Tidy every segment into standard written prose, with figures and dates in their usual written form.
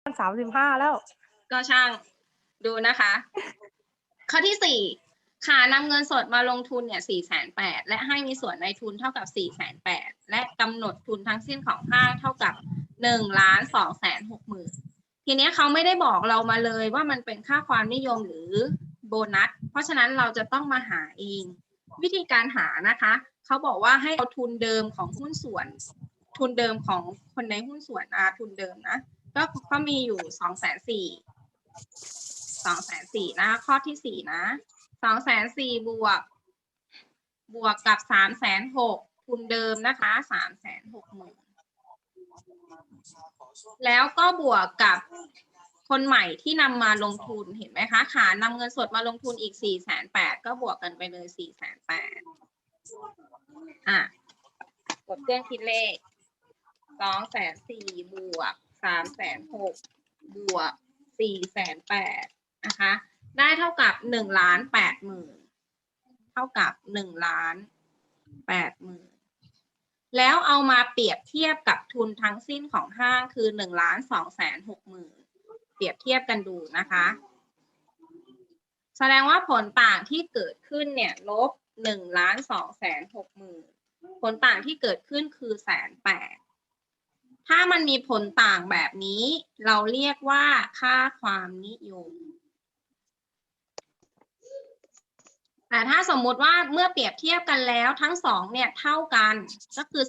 35แล้วก็ช่างดูนะคะ ข้อที่ 4ค่ะนำเงินสดมาลงทุนเนี่ย480,000และให้มีส่วนในทุนเท่ากับ480,000และกำหนดทุนทั้งสิ้นของห้างเท่ากับ1,260,000ทีนี้เขาไม่ได้บอกเรามาเลยว่ามันเป็นค่าความนิยมหรือโบนัสเพราะฉะนั้นเราจะต้องมาหาเองวิธีการหานะคะเขาบอกว่าให้เอาทุนเดิมของหุ้นส่วนทุนเดิมของคนในหุ้นส่วนทุนเดิมนะก็มีอยู่240,000นะข้อที่4นะ240,000บวกกับ360,000ทุนเดิมนะคะ360,000แล้วก็บวกกับคนใหม่ที่นำมาลงทุนเห็นไหมคะขานำเงินสดมาลงทุนอีก480,000ก็บวกกันไปเลย480,000กดเครื่องคิดเลข240,000บวก360,000บวก480,000นะคะได้เท่ากับ1,80,000เท่ากับ1,80,000แล้วเอามาเปรียบเทียบกับทุนทั้งสิ้นของห้างคือ1,260,000เปรียบเทียบกันดูนะคะแสดงว่าผลต่างที่เกิดขึ้นเนี่ยลบ1,260,000ผลต่างที่เกิดขึ้นคือ180,000ถ้ามันมีผลต่างแบบนี้เราเรียกว่าค่าความนิยมแต่ถ้าสมมุติว่าเมื่อเปรียบเทียบกันแล้วทั้งสองเนี่ยเท่ากันก็คือ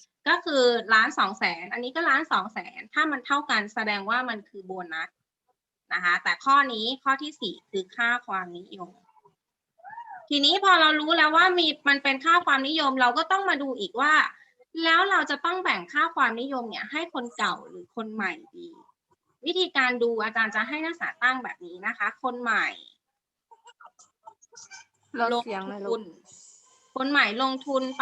1,200,000อันนี้ก็1,200,000ถ้ามันเท่ากันแสดงว่ามันคือโบนัสนะคะแต่ข้อนี้ข้อที่4คือค่าความนิยมทีนี้พอเรารู้แล้วว่ามันเป็นค่าความนิยมเราก็ต้องมาดูอีกว่าแล้วเราจะต้องแบ่งค่าความนิยมเนี่ยให้คนเก่าหรือคนใหม่ดีวิธีการดูอาจารย์จะให้นักศึกษาตั้งแบบนี้นะคะคนใหม่ลงทุนคนใหม่ลงทุนไป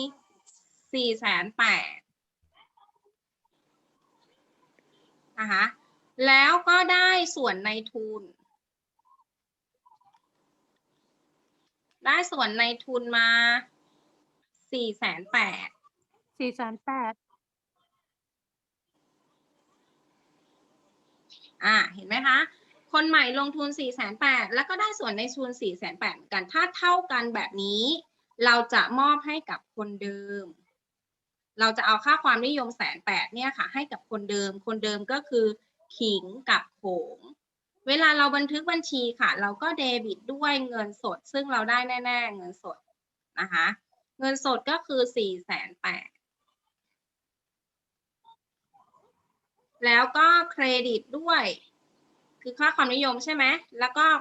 480,000นะคะแล้วก็ได้ส่วนในทุนมา480,000เห็นไหมคะคนใหม่ลงทุน480,000แล้วก็ได้ส่วนในทุน480,000เหมือนกันถ้าเท่ากันแบบนี้เราจะมอบให้กับคนเดิมเราจะเอาค่าความนิยม180,000เนี่ยค่ะให้กับคนเดิมก็คือขิงกับโขงเวลาเราบันทึกบัญชีค่ะเราก็เดบิตด้วยเงินสดซึ่งเราได้แน่ๆเงินสดนะคะเงินสดก็คือ480,000แล้วก็เครดิตด้วยคือค่าความนิยมใช่ไหมแล้วก็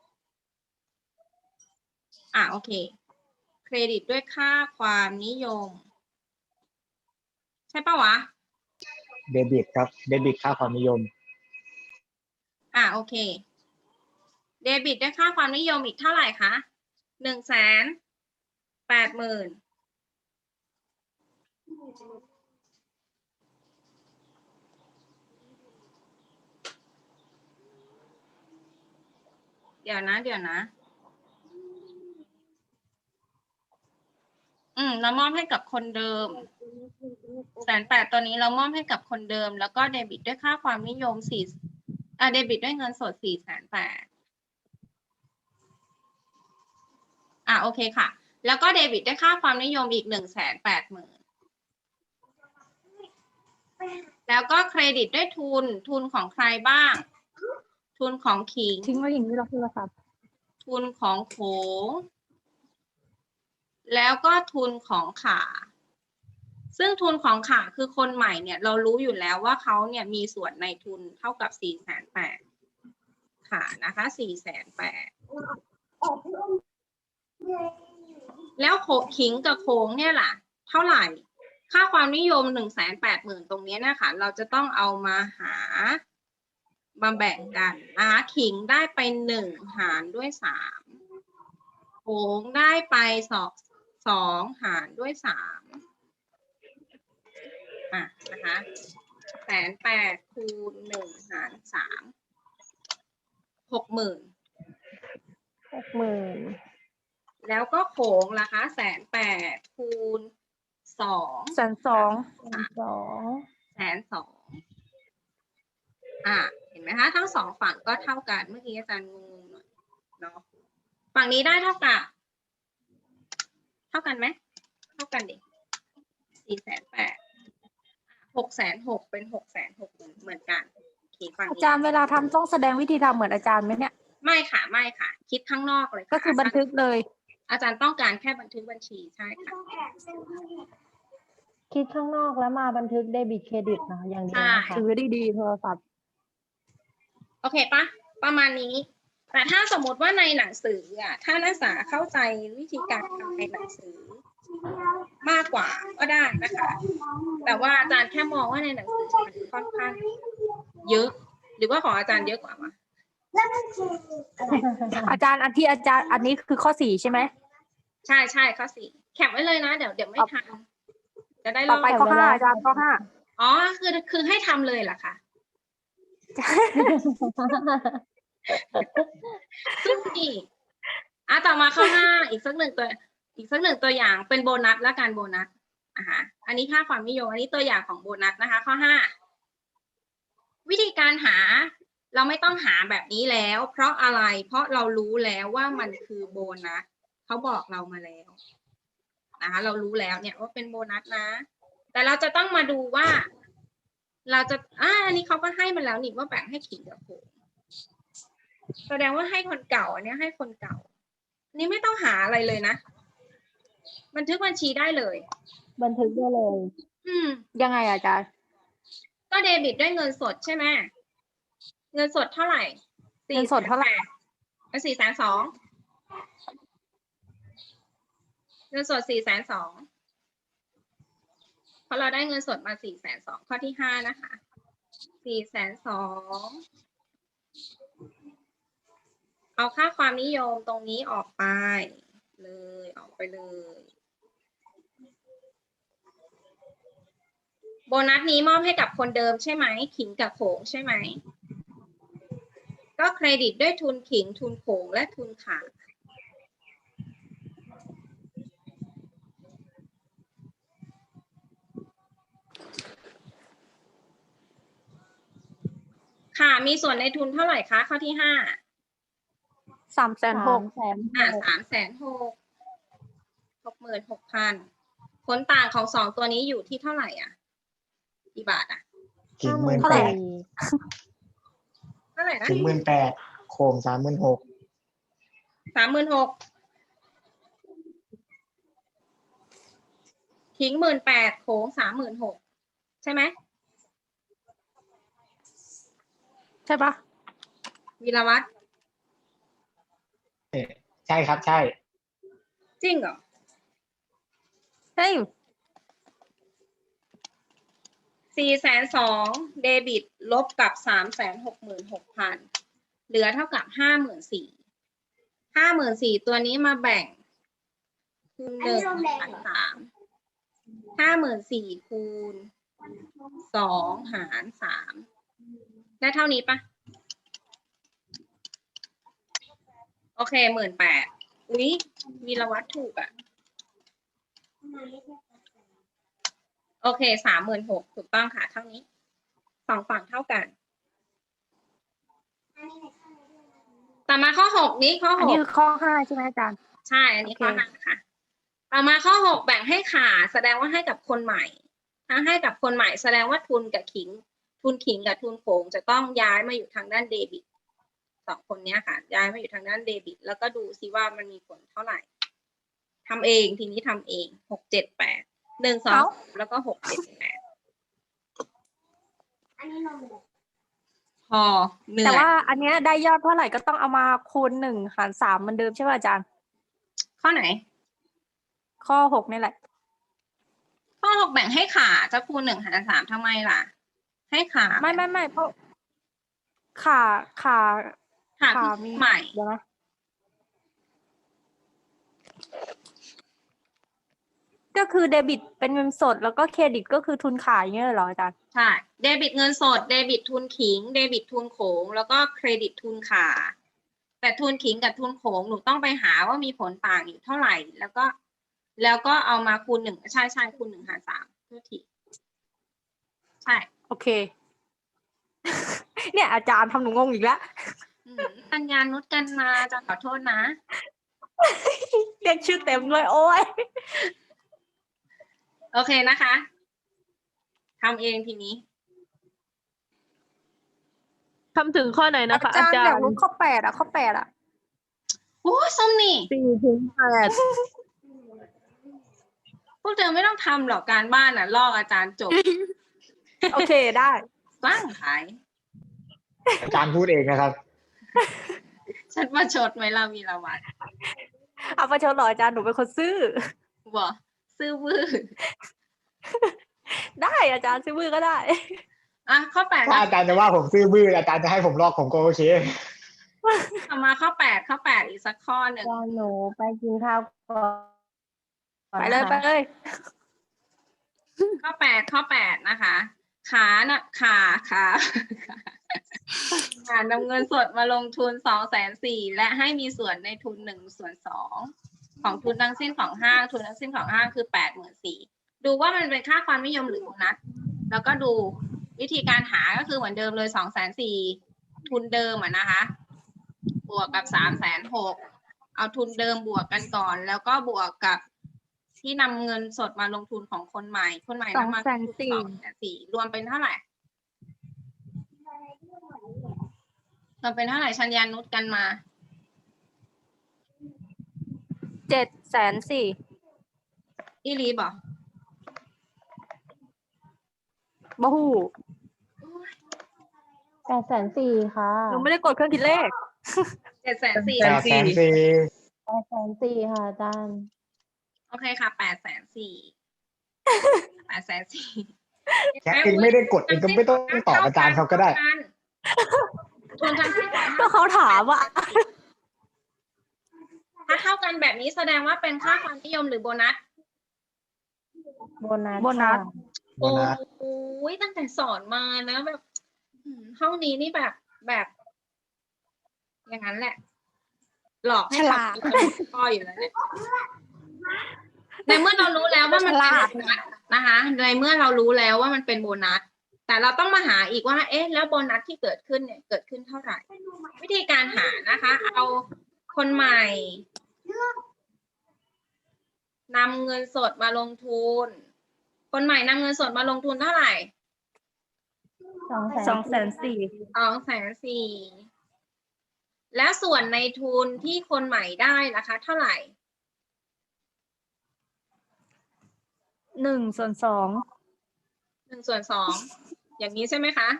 โอเคเครดิตด้วยค่าความนิยมใช่ปะวะเดบิตครับเดบิตค่าความนิยมโอเคเดบิตด้วยค่าความนิยมอีกเท่าไหร่คะ180,000เดี๋ยวนะเรามอบให้กับคนเดิม180,000ตัวนี้เรามอบให้กับคนเดิมแล้วก็เดบิตด้วยค่าความนิยมเดบิตด้วยเงินสด480,000โอเคค่ะแล้วก็เดบิตด้วยค่าความนิยมอีก180,000แล้วก็เครดิตด้วยทุนของใครบ้างทุนของขิงทิ้งไว้อย่างนี้เราโทรศัพท์ทุนของโขงแล้วก็ทุนของข่าซึ่งทุนของข่าคือคนใหม่เนี่ยเรารู้อยู่แล้วว่าเขาเนี่ยมีส่วนในทุนเท่ากับ480,000ค่ะนะคะ480,000แล้วขิงกับโขงเนี่ยล่ะเท่าไหร่ค่าความนิยม180,000ตรงนี้นะคะเราจะต้องเอามาแบ่งกันขิงได้ไป1หารด้วย3โขงได้ไป2หารด้วย3นะคะ180,000คูณ1หาร3 60,000แล้วก็โขงล่ะคะ180,000คูณ2 120,000 เห็นไหมคะทั้งสองฝั่งก็เท่ากันเมื่อกี้อาจารย์งงๆหน่อยเนาะฝั่งนี้ได้เท่ากับเท่ากันไหมเท่ากันดิ480,000 660,000เป็น660,000เหมือนกันโอเคฝั่งอานี้จารย์เวลาทำต้องแสดงวิธีทำเหมือนอาจารย์ไหมเนี่ยไม่ค่ะไม่ค่ะ คิดข้างนอกเลยะก็คือบันทึกเลยอาจารย์ต้องการแค่บันทึกบัญชีใช่ค่ะคิดข้างนอกแล้วมาบันทึกเดบิตเครดิตนะอย่างเดียวนะคะถือดีๆโทรศัพท์โอเคปะประมาณนี้ แต่ถ้าสมมติว่าในหนังสือถ้านักศึกษาเข้าใจวิธีการทำในหนังสือมากกว่าก็ได้นะคะ แต่ว่าอาจารย์แค่มองว่าในหนังสือมันค่อนข้างเยอะ หรือว่าของอาจารย์เยอะกว่าวะอาจารย์อันที่อาจารย์อันนี้คือข้อ 4ใช่ไหมใช่ใช่ข้อ 4แคปไว้เลยนะเดี๋ยวไม่ทันจะได้ลต่อองไปข้อ 5อาจารย์ข้ออ๋อคือให้ทำเลยเหรอคะ ซึ่งอีกต่อมาข้อ 5อีกสักหนึ่งตัวอย่างเป็นโบนัสและการโบนัสอันนี้ค่าความนิยมอันนี้ตัวอย่างของโบนัสนะคะ ข้อ 5วิธีการหาเราไม่ต้องหาแบบนี้แล้ว เพราะอะไรเพราะเรารู้แล้วว่ามันคือโบนัสเขาบอกเรามาแล้วนะคะเรารู้แล้วเนี่ยว่าเป็นโบนัสนะ แต่เราจะต้องมาดูว่า เราจะอันนี้เขาก็ให้มาแล้วนี่ว่าแบ่งให้ขิงกับโขงแสดงว่าให้คนเก่าอันนี้ให้คนเก่าอันนี้ไม่ต้องหาอะไรเลยนะบันทึกบัญชีได้เลยบันทึกได้เลยยังไงอาจารย์ก็เดบิตด้วยเงินสดใช่ไหมเงินสดเท่าไหร่เงินสดเท่าไหร่ 420,000เงินสด420,000เพราะเราได้เงินสดมา420,000ข้อที่ 5นะคะ420,000เอาค่าความนิยมตรงนี้ออกไปเลยออกไปเลยโบนัสนี้มอบให้กับคนเดิมใช่ไหมขิงกับโขงใช่ไหมก็เครดิตด้วยทุนขิงทุนโขงและทุนขาค่ะมีส่วนในทุนเท่าไหร่คะข้อที่ 5 360,000 366,000ผลต่างของสองตัวนี้อยู่ที่เท่าไหร่กี่บาทขิงเท่าไหร่เท่าไหร่นะขิง18,000โคม36,000 36,000ขิง18,000โขง36,000ใช่ไหมใช่ปะวีรวัฒน์ใช่ครับใช่จริงเหรอเฮ้ย 420,000เดบิตลบกับ366,000เหลือเท่ากับ54,000ตัวนี้มาแบ่งคูณ1หาร3 54,000คูณ2หาร3ได้เท่านี้ปะโอเค18,000อุ๊ยวีรวัฒน์ถูกโอเค36,000ถูกต้องค่ะเท่านี้สองฝั่งเท่ากันต่อมาข้อ 6นี้ข้ออันนี้คือข้อ 5ใช่ไหมอาจารย์ใช่อันนี้ข้อ 5ค่ะต่อมาข้อ 6แบ่งให้ขาดแสดงว่าให้กับคนใหม่ถ้าให้กับคนใหม่แสดงว่าทุนกับขิงทุนขิงกับทุนโขงจะต้องย้ายมาอยู่ทางด้านเดบิตสองคนนี้ค่ะย้ายมาอยู่ทางด้านเดบิตแล้วก็ดูซิว่ามันมีผลเท่าไหร่ทำเองทีนี้ทำเอง678 1 2แล้วก็678พอเหนื่อยแต่ว่าอันเนี้ยได้ยอดเท่าไหร่ก็ต้องเอามาคูณ1 หาร 3เหมือนเดิมใช่ป่ะอาจารย์ข้อไหนข้อ 6นี่แหละข้อ 6แบ่งให้ขาจะคูณ1 หาร 3ทำไมล่ะให้ขาไม่เพราะขาขามีใหม่เดี๋ยวนะก็คือเดบิตเป็นเงินสดแล้วก็เครดิตก็คือทุนขายอย่างเงี้ยเหรออาจารย์ใช่เดบิตเงินสดเดบิตทุนขิงเดบิตทุนโขงแล้วก็เครดิตทุนขาแต่ทุนขิงกับทุนโขงหนูต้องไปหาว่ามีผลต่างอยู่เท่าไหร่แล้วก็เอามาคูณ1ใช่คูณ1 หาร 3ทุกทีใช่โอเคเนี่ยอาจารย์ทำหนูงงอีกแล้วกัญญานุชกันมาจะขอโทษนะเรียกชื่อเต็มเลยโอ้ยโอเคนะคะทำเองทีนี้ทำถึงข้อไหนนะคะอาอาจารย์จารอยากย์รู้ข้อ8ข้อ8 โอ้ส้มนี่ 4 ถึงพวกเธอไม่ต้องทำหรอกการบ้านน่ะลอกอาจารย์จบโอเคได้สร้างขายอาจารย์พูดเองนะครับฉันมาชดไหมล่ะวีรวัตรเอาประชดเหรออาจารย์หนูเป็นคนซื่อบอกซื่อวื้อได้อาจารย์ซื่อบื้อก็ได้อ่ะข้อแปดถ้าอาจารย์จะว่าผมซื่อบื้ออาจารย์จะให้ผมลอกผมก็โอเคต่อมาข้อแปดอีกสักข้อหนึ่งตอนหนูไปกินข้าวก่อนไปเลยนะคะไปเลยข้อแปดนะคะ ขาน่ะขานำเงินสดมาลงทุน240,000และให้มีส่วนในทุน1/2ของทุนทั้งสิ้นของห้างทุนทั้งสิ้นของห้างคือ84,000ดูว่ามันเป็นค่าความนิยมหรือโบนัสแล้วก็ดูวิธีการหาก็คือเหมือนเดิมเลย240,000ทุนเดิมนะคะ บวกกับ360,000เอาทุนเดิมบวกกันก่อน แล้วก็บวกกับที่นำเงินสดมาลงทุนของคนใหม่นำมาลงทุน240,000รวมเป็นเท่าไหร่รวมเป็นเท่าไหร่ชัญญานุชกันมา 704,000 อีลีบอกบะฮู 840,000ค่ะหนูไม่ได้กดเครื่องคิดเลข 740,000 840,000 840,000ค่ะอาจารย์โอเคค่ะ840,000 840,000 แค่เองไม่ได้กดเองก็ไม่ต้องตอบอาจารย์เขาก็ได้ทุนทั้งสิ้นของก็เขาถามอ่ะถ้าเท่ากันแบบนี้แสดงว่าเป็นค่าความนิยมหรือโบนัสโบนัสโบนัสค่ะโบนัสโอ้ยตั้งแต่สอนมานะแบบห้องนี้นี่แบบอย่างนั้นแหละ หลอกให้ฉลาดทำพ่ออยู่แล้วเนี่ยในเมื่อเรารู้แล้วว่ามันเป็นโบนัสนะคะในเมื่อเรารู้แล้วว่ามันเป็นโบนัส แต่เราต้องมาหาอีกว่า เอ๊ะ แล้วโบนัสที่เกิดขึ้นเนี่ยเกิดขึ้นเท่าไหร่ วิธีการหานะคะ เอาคนใหม่นำเงินสดมาลงทุน คนใหม่นำเงินสดมาลงทุนเท่าไหร่ 240,000 240,000แล้วส่วนในทุนที่คนใหม่ได้นะคะ เท่าไหร่ 1/2 1/2อย่างนี้ใช่ไหมคะ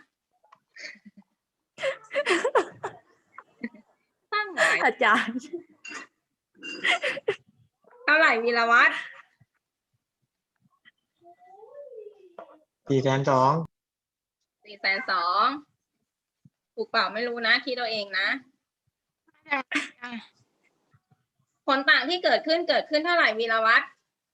ตั้งไหนอาจารย์เท่าไหร่วีรวัตร 420,000 420,000ถูกเปล่าไม่รู้นะคิดเอาเองนะผลต่างที่เกิดขึ้นเท่าไหร่วีรวัตร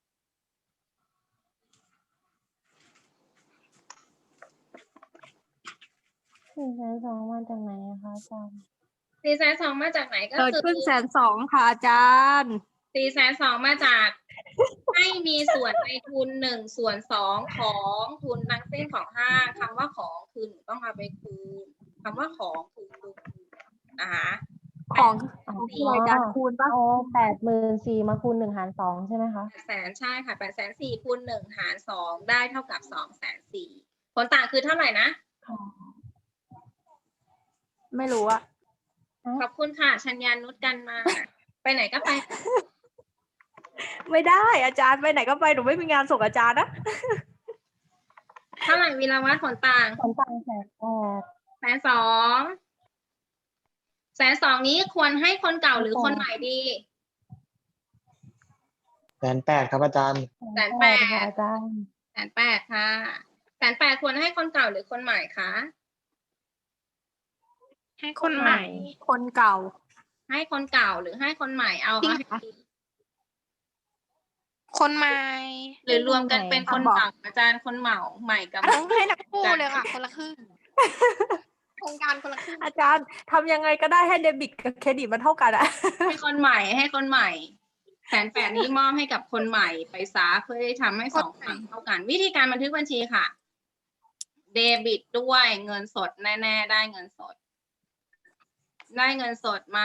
420,000มาจากไหนอะคะอาจารย์ 420,000มาจากไหนก็เกิดคือขึ้น120,000ค่ะอาจารย์ 420,000มาจากให้มีส่วนในทุน1/2ของทุนทั้งสิ้นของห้างคำว่าของคือหนูต้องเอาไปคูณคำว่าของคือคูณนะคะของที่รายการคูณปะเอา84,000มาคูณ1 หาร 2ใช่ไหมคะ 800,000ใช่ค่ะ840,000คูณ1 หาร 2ได้เท่ากับ240,000ผลต่างคือเท่าไหร่นะไม่รู้อะขอบคุณค่ะชัญญานุชกันมา ไปไหนก็ไปไม่ได้อาจารย์ไปไหนก็ไปหนูไม่มีงานส่งอาจารย์นะเท่าไหร่วีรวัตรผลต่างผลต่าง 120,000 120,000นี้ควรให้คนเก่าหรือคนใหม่ดี 180,000ครับอาจารย์ 180,000ค่ะอาจารย์ 180,000ค่ะ180,000ควรให้คนเก่าหรือคนใหม่คะให้คนใหม่คนเก่าให้คนเก่าหรือให้คนใหม่เอาจริงให้เหรอดีคนใหม่หรือรวมกันเป็นคนบอกเก่าอาจารย์คนใหม่ใหม่กับต้องให้ทั้งคู่เลยค่ะ คนละครึ่งโครงการคนละครึ่งอาจารย์ทำยังไงก็ได้ให้เดบิตกับเครดิตมันเท่ากันอะให้คนใหม่180,000นี้มอบให้กับคนใหม่ไปซะเพื่อให้ทำให้สองฝั่งเท่ากัน วิธีการบันทึกบัญชีค่ะเดบิตด้วยเงินสดแน่ๆได้เงินสด ได้เงินสดมา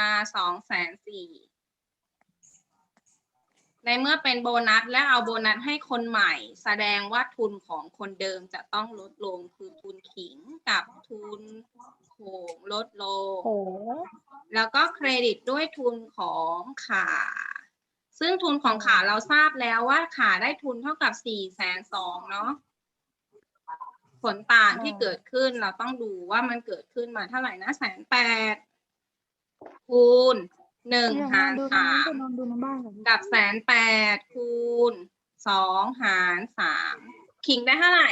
240,000ในเมื่อเป็นโบนัสและเอาโบนัสให้คนใหม่ แสดงว่าทุนของคนเดิมจะต้องลดลงคือทุนขิงกับทุนโขงลดลงโหแล้วก็เครดิตด้วยทุนของขาซึ่งทุนของขาเราทราบแล้วว่าขาได้ทุนเท่ากับ420,000เนาะผลต่างที่เกิดขึ้นเราต้องดูว่ามันเกิดขึ้นมาเท่าไหร่นะ180,000คูณ1หาร3กับ180,000คูณ2หาร3คิงได้เท่าไหร่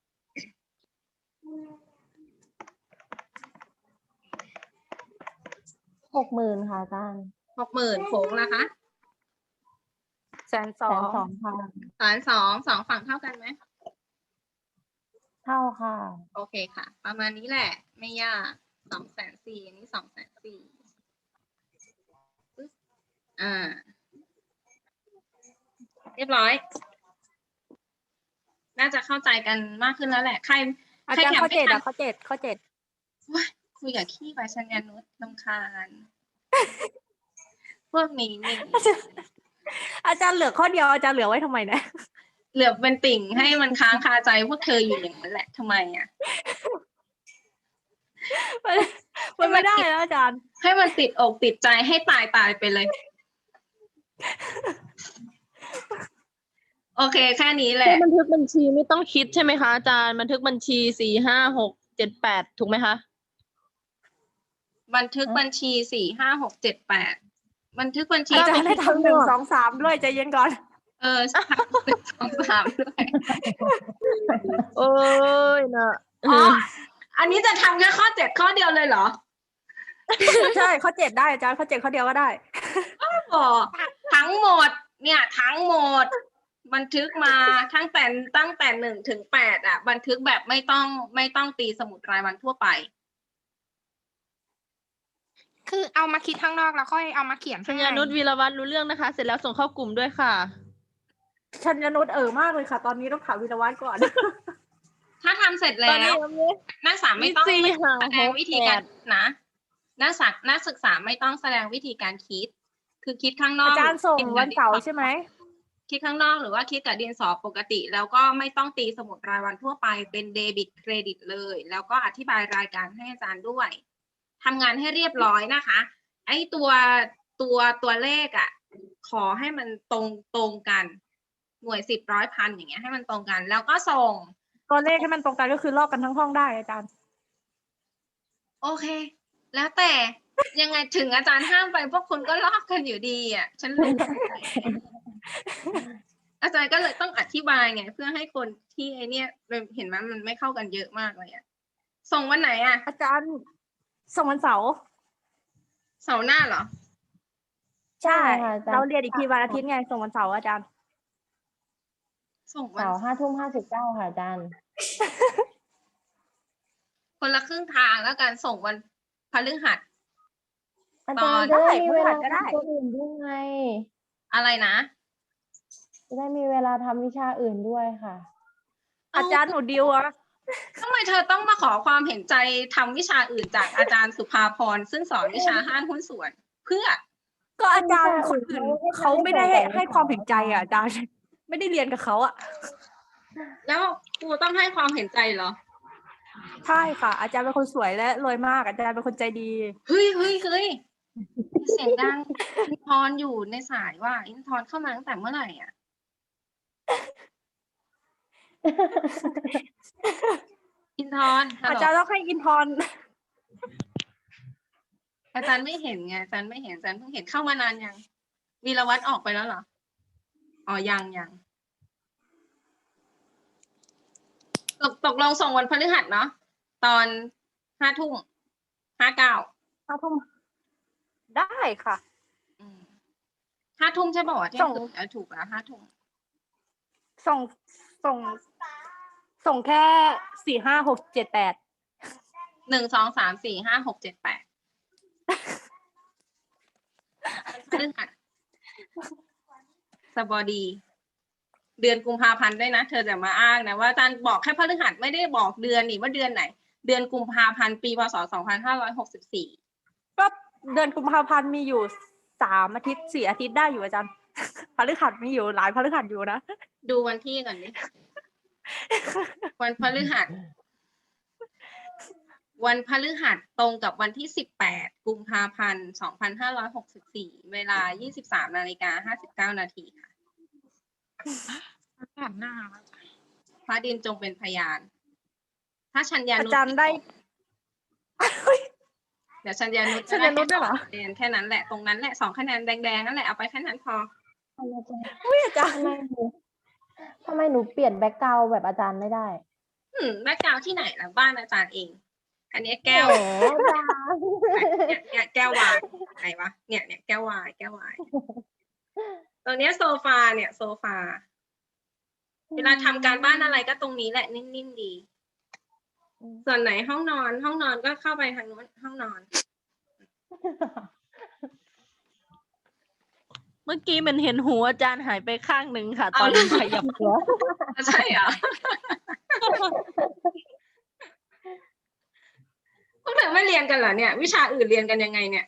60,000 ค่ะอาจารย์ 60,000โขงละคะ 120,000 ค่ะ 2ฝั่งเท่ากันไหมเท่าค่ะโอเคค่ะ ประมาณนี้แหละ ไม่ยาก240,000อันนี้240,000เรียบร้อย น่าจะเข้าใจกันมากขึ้นแล้วแหละ ใครอาใครจารย์แคปข้อไม่ 7 ทันอะข้อ7 ว้ายคุยกับขี้ไปชัญญานุชรำคาญ พวกนี้นี่อาจารย์เหลือข้อเดียวอาจารย์เหลือไว้ทำไมนะเหลือเป็นติ่งให้มันค้างคาใจพวกเธออยู่อย่างนั้นแหละทำไมอ่ะมันไม่ได้แล้วอาจารย์ให้มันติดอกติดใจให้ตายไปเลย โอเคแค่นี้แหละบันทึกบัญชีไม่ต้องคิดใช่ไหมคะอาจารย์บันทึกบัญชี4 5 6 7 8ถูกไหมคะบันทึกบัญชี4 5 6 7 8บันทึกบัญชีอาจารย์ได้ทำ1 2 3ด้วยใจเย็นก่อน 2 3ด้วยโอ้ยนะอ๋อ อันนี้จะทำแค่ข้อ7ข้อเดียวเลยเหรอใช่ข้อ7ได้อาจารย์ข้อ7ข้อเดียวก็ได้อ๋อทั้งหมด เนี่ยทั้งหมด บันทึกมาตั้งแต่1 ถึง 8อ่ะ บันทึกแบบไม่ต้องตีสมุดรายวันทั่วไปคือเอามาคิดข้างนอกแล้วค่อยเอามาเขียนชัข้างญในญานุชวีรวัฒน์รู้เรื่องนะคะ เสร็จแล้วส่งเข้ากลุ่มด้วยค่ะชัญญนุชมากเลยค่ะ ตอนนี้ต้องถามวิรวัฒน์ก่อนถ้าทำเสร็จตแล้อนนี้ว นักศึกษาไม่ต้องสี่แสดงวิธีการ 5 นะนักศึกษาไม่ต้องแสดงวิธีการคิด คือคิดข้างนอกอาจารย์ส่งคิดกับวันเสาร์ใช่ไหมคิดข้างนอกหรือว่าคิดกับดินสอปกติ แล้วก็ไม่ต้องตีสมุดรายวันทั่วไปเป็นเดบิตเครดิตเลย แล้วก็อธิบายรายการให้อาจารย์ด้วยทำงานให้เรียบร้อยนะคะ ไอ้ตัวเลขอ่ะ ขอให้มันตรงกัน หน่วย10 100 1,000อย่างเงี้ยให้มันตรงกัน แล้วก็ส่งตัวเลขให้มันตรงกันก็คือลอกกันทั้งห้องได้อาจารย์โอเค แล้วแต่ยังไงถึงอาจารย์ห้ามไปพวกคุณก็ลอกกันอยู่ดีอ่ะ ฉันรู้ อาจารย์ก็เลยต้องอธิบายไง เพื่อให้คนที่ไอเนี้ยเห็นไหมมันไม่เข้ากันเยอะมากเลยอ่ะ ส่งวันไหนอ่ะอาจารย์ส่งวันเสาร์เสาร์หน้าเหรอใช่ค่ะอาจารย์เราเรียนอีกทีวันอาทิตย์ไงส่งวันเสาร์อาจารย์ส่งวันเสาร์5:59 ค่ะอาจารย์คนละครึ่งทางแล้วกันส่งวันพฤหัสอาจารย์ตจะอนได้มีเวลาก็ได้ทำตัวอื่นด้วยไงอะไรนะจะได้มีเวลาทำวิชาอื่นด้วยค่ะอาจารย์หนูดิวอะทำไมเธอต้องมาขอความเห็นใจทำวิชาอื่นจากอาจารย์สุภาพรซึ่งสอนวิชาห้างหุ้นส่วน เพื่อก็อาจารย์คนอื่นเขาไม่ได้ให้ความเห็นใจอะอาจารย์ ไม่ได้เรียนกับเขาอะแล้วครูต้องให้ความเห็นใจเหรอใช่ค่ะ อาจารย์เป็นคนสวยและรวยมากอาจารย์เป็นคนใจดีเฮ้ยเสียงดังอินทร์อยู่ในสายว่าอินทร์เข้ามาตั้งแต่เมื่อไหร่อ่ะ อินทร์ฮัลอาโหลจารย์ต้องให้อินทร์อาจารย์ไม่เห็นไงอาจารย์ไม่เห็นอาจารย์เพิ่งเห็นเข้ามานานยังวีรวัฒน์ออกไปแล้วเหรออ๋อยังตกลงส่งวันพฤหัสเนาะตอน5:59 5 ทุ่มได้ค่ะ 5 ทุ่มใช่ป่าวะที่ส่งถูกแล้ว5 ทุ่มส่งแค่4 5 6 7 8 1 2 3 4 5 6 7 8พฤหัสสบดีเดือนกุมภาพันธ์ด้วยนะเธอจะมาอ้างนะว่าอาจารย์บอกแค่พฤหัสไม่ได้บอกเดือนนี่ว่าเดือนไหน เดือนกุมภาพันธ์ปีพศ2564 ก็เดือนกุมภาพันธ์มีอยู่3 อาทิตย์ 4 อาทิตย์ได้อยู่อาจารย์ พฤหัสมีอยู่หลายพฤหัสอยู่นะดูวันที่ก่อนดิ วันพฤหัส วันพฤหัสตรงกับวันที่18กุมภาพันธ์2564เวลา23:59 นาทีค่ะหันหน้าพระดินจงเป็นพยาน ถ้าชัญญานุอาจารย์ได้เดี๋ยวชัญญานุชัญญานุด้วยเหรอเรียนแค่นั้นแหละตรงนั้นแหละ2 คะแนนแดงๆนั่นแหละเอาไปแค่นั้นพออุ้ยอาจารย์ทำไมหนูเปลี่ยนแบ็คกราวด์แบบอาจารย์ไม่ได้แบ็คกราวด์ที่ไหนล่ะบ้านอาจารย์เอง อันนี้แก้วแหมอาจารย์เนี่ยแก้ววายไหนวะเนี่ยแก้ววายตัวเนี้ยโซฟาเนี่ยโซฟาเวลาทำการบ้านอะไรก็ตรงนี้แหละนิ่มๆดี ส่วนไหนห้องนอนก็เข้าไปทางนู้นห้องนอนเมื่อกี้มันเห็นหัวอาจารย์หายไปข้างหนึ่งค่ะ ตอนขยับหัวใช่เหรอ พวกเธอไม่เรียนกันเหรอเนี่ย วิชาอื่นเรียนกันยังไงเนี่ย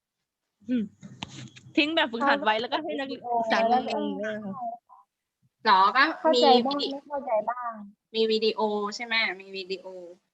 ทิ้งแบบฝึกหัดไว้แล้วก็ให้นักศึกษาเรียนเองหรอก็เข้ามีใจบ้างไม่เข้าใจบ้างมีวิดีโอใช่ไหมมีวิดีโอ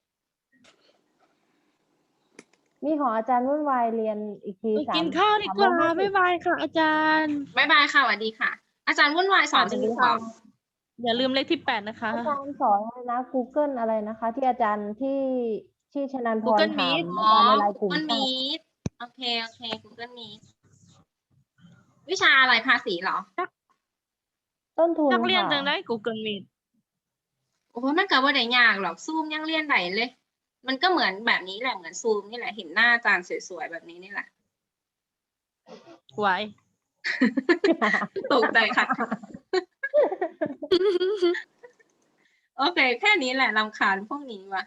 มีของอาจารย์วุ่นวายเรียนอีกทีไปกินข้าวดีกว่า 350 บ๊ายบายค่ะ อาจารย์บ๊ายบายค่ะสวัสดีค่ะ อาจารย์วุ่นวายสอนถึงสอบอย่าลืมเลขที่8นะคะอาจารย์สอนอะไรนะ Google อะไรนะคะ ที่อาจารย์ที่ชนันพร Google ถาม Meet อาจารย์ในไลน์กลุ่ม Google Meet โอเค Google Meet วิชาอะไรภาษีเหรอต้นทุนนักเรียนค่ะจังได้ Google Meet โอ้โหมันก็ว่าได้ยากหรอกซูมยังเรียนไหนเลย มันก็เหมือนแบบนี้แหละเหมือนซูมนี่แหละเห็นหน้าอาจารย์สวยๆแบบนี้นี่แหละไว้ตกใจค่ะ โอเค แค่นี้แหละรำคาญพวกนี้ว่ะ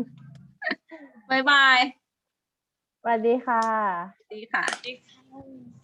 บ๊ายบายสวัสดีค่ะดีค่ะ